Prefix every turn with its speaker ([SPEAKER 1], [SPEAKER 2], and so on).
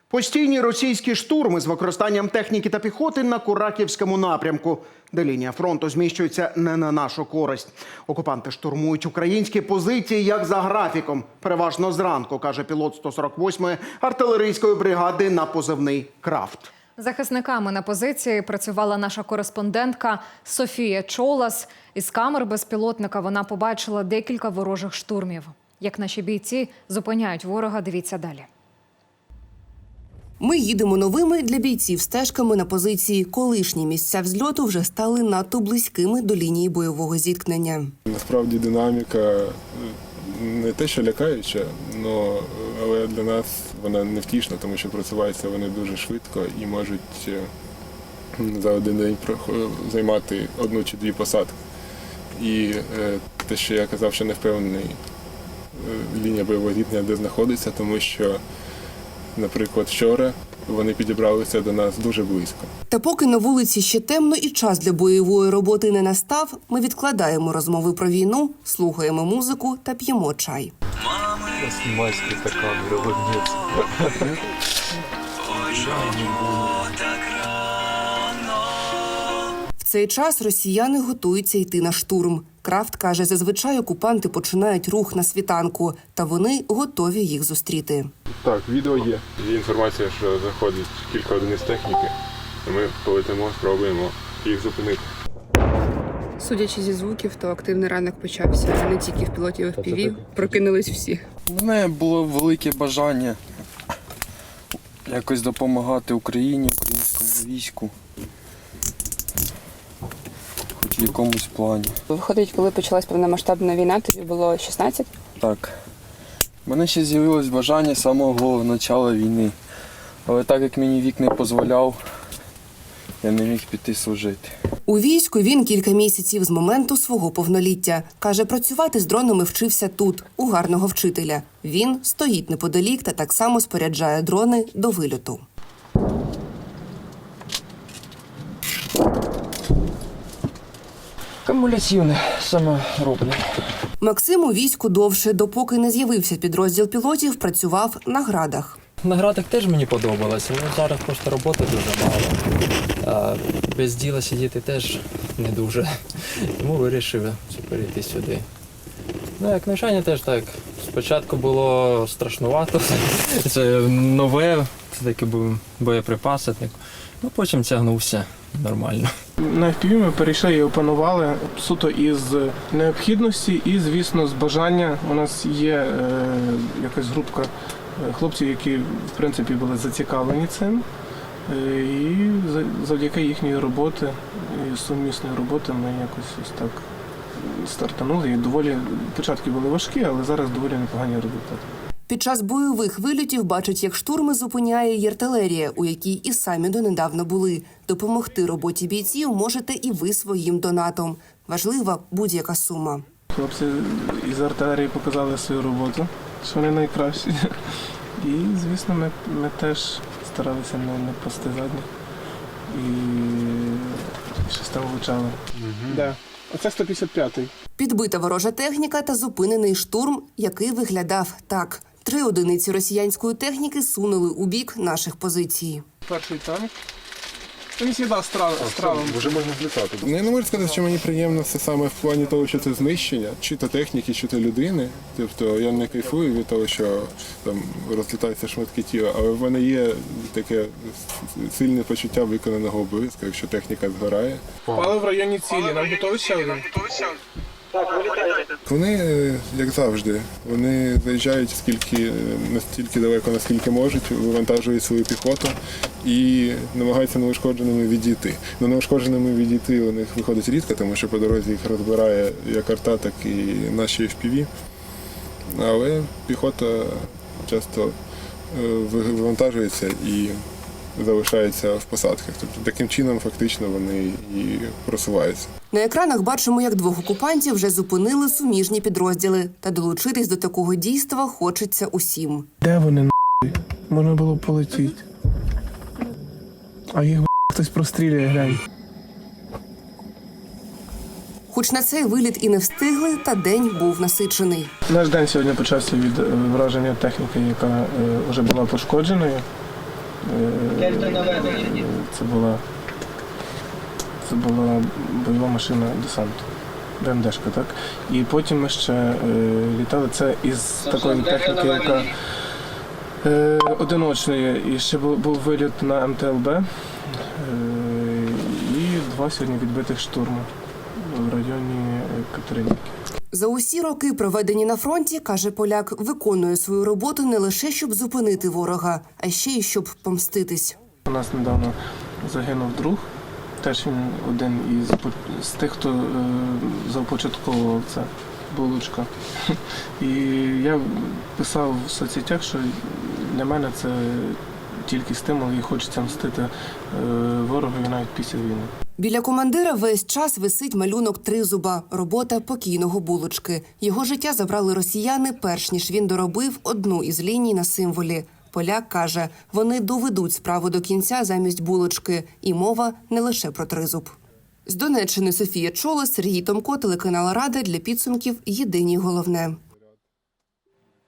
[SPEAKER 1] Постійні російські штурми з використанням техніки та піхоти на Курахівському напрямку, де лінія фронту зміщується не на нашу користь. Окупанти штурмують українські позиції як за графіком. Переважно зранку, каже пілот 148-ї артилерійської бригади на позивний «Крафт».
[SPEAKER 2] Захисниками на позиції працювала наша кореспондентка Софія Чолас. Із камер безпілотника вона побачила декілька ворожих штурмів. Як наші бійці зупиняють ворога, дивіться далі.
[SPEAKER 3] Ми їдемо новими для бійців стежками на позиції. Колишні місця взльоту вже стали надто близькими до лінії бойового зіткнення.
[SPEAKER 4] Насправді динаміка не те, що лякаюча, але для нас вона невтішна, тому що просуваються вони дуже швидко і можуть за один день займати одну чи дві посадки. І те, що я казав, що не впевнений лінія бойового зіткнення, де знаходиться, тому що, наприклад, вчора вони підібралися до нас дуже близько.
[SPEAKER 3] Та поки на вулиці ще темно і час для бойової роботи не настав, ми відкладаємо розмови про війну, слухаємо музику та п'ємо чай.
[SPEAKER 5] Майський стакан, молодець.
[SPEAKER 3] В цей час росіяни готуються йти на штурм. Крафт каже, зазвичай окупанти починають рух на світанку, та вони готові їх зустріти.
[SPEAKER 4] Так, відео є. Є інформація, що заходить кілька одиниць техніки, і ми полетимо, спробуємо їх зупинити.
[SPEAKER 6] Судячи зі звуків, то активний ранок почався не тільки в пілотів, а й в FPV. Прокинулись всі.
[SPEAKER 5] У мене було велике бажання якось допомагати Україні, українському війську. Хоч в якомусь плані.
[SPEAKER 6] Виходить, коли почалась повномасштабна війна, тобі було 16?
[SPEAKER 5] Так. У мене ще з'явилось бажання з самого початку війни. Але так як мені вік не дозволяв, я не міг піти служити.
[SPEAKER 3] У війську він кілька місяців з моменту свого повноліття. Каже, працювати з дронами вчився тут, у гарного вчителя. Він стоїть неподалік та так само споряджає дрони до вильоту.
[SPEAKER 5] Кумулятивне саме роблю.
[SPEAKER 3] Максим у війську довше, допоки не з'явився підрозділ пілотів, працював на градах.
[SPEAKER 7] На градах теж мені подобалося, але зараз просто роботи дуже мало. А без діла сидіти теж не дуже. Тому вирішив перейти сюди. Ну, як навчання теж так. Спочатку було страшнувато, це нове, це такі боєприпаси. Ну, потім тягнувся нормально.
[SPEAKER 8] На FPV ми перейшли і опанували суто із необхідності і, звісно, з бажання. У нас є якась групка хлопців, які, в принципі, були зацікавлені цим. І завдяки їхньої роботи, і сумісної роботи ми якось ось так стартанули. І доволі початки були важкі, але зараз доволі непогані результати.
[SPEAKER 3] Під час бойових вильотів бачать, як штурми зупиняє й артилерія, у якій і самі донедавна були. Допомогти роботі бійців можете і ви своїм донатом. Важлива будь-яка сума.
[SPEAKER 8] Хлопці із артилерії показали свою роботу, що вони найкращі. І, звісно, ми теж старалися не пасти задніх. І щось там влучали. Да. Оце 155-й.
[SPEAKER 3] Підбита ворожа техніка та зупинений штурм, який виглядав так. 3 одиниці росіянської техніки сунули у бік наших позицій.
[SPEAKER 8] Перший танк. Він сідав стравом.
[SPEAKER 4] Вже можна злітати. Я не можу сказати, що мені приємно це саме в плані того, що це знищення, чи то техніки, чи то людини. Тобто я не кайфую від того, що там розлітаються шматки тіла, але в мене є таке сильне почуття виконаного обов'язку, якщо техніка згорає.
[SPEAKER 8] Пали в районі цілі. Нам готові ще один?
[SPEAKER 4] Вони, як завжди, вони заїжджають настільки далеко, наскільки можуть, вивантажують свою піхоту і намагаються неушкодженими відійти. Но неушкодженими відійти у них виходить рідко, тому що по дорозі їх розбирає як арта, так і наші FPV. Але піхота часто вивантажується і залишається в посадках. Тобто таким чином фактично вони і просуваються.
[SPEAKER 3] На екранах бачимо, як 2 окупантів вже зупинили суміжні підрозділи. Та долучитись до такого дійства хочеться усім.
[SPEAKER 8] Де вони, нахуй? Можна було полетіти. А їх хтось прострілює, глянь.
[SPEAKER 3] Хоч на цей виліт і не встигли, та день був насичений.
[SPEAKER 8] Наш день сьогодні почався від враження техніки, яка вже була пошкодженою. Це була бойова машина десанту. БМДшка, так? І потім ми ще літали це із такої техніки, яка одиночної. І ще був виліт на МТЛБ і 2 сьогодні відбитих штурму в районі Катеринівки.
[SPEAKER 3] За усі роки, проведені на фронті, каже поляк, виконує свою роботу не лише щоб зупинити ворога, а ще й щоб помститись.
[SPEAKER 8] У нас недавно загинув друг. Теж він один із тих, хто започатковував це, Булочка. І я писав в соцсетях, що для мене це тільки стимул і хочеться мстити ворогові навіть після війни.
[SPEAKER 3] Біля командира весь час висить малюнок Тризуба – робота покійного Булочки. Його життя забрали росіяни, перш ніж він доробив одну із ліній на символі. Поляк каже, вони доведуть справу до кінця замість Булочки. І мова не лише про Тризуб. З Донеччини Софія Чолос, Сергій Томко, телеканал Рада. Для підсумків єдині головне.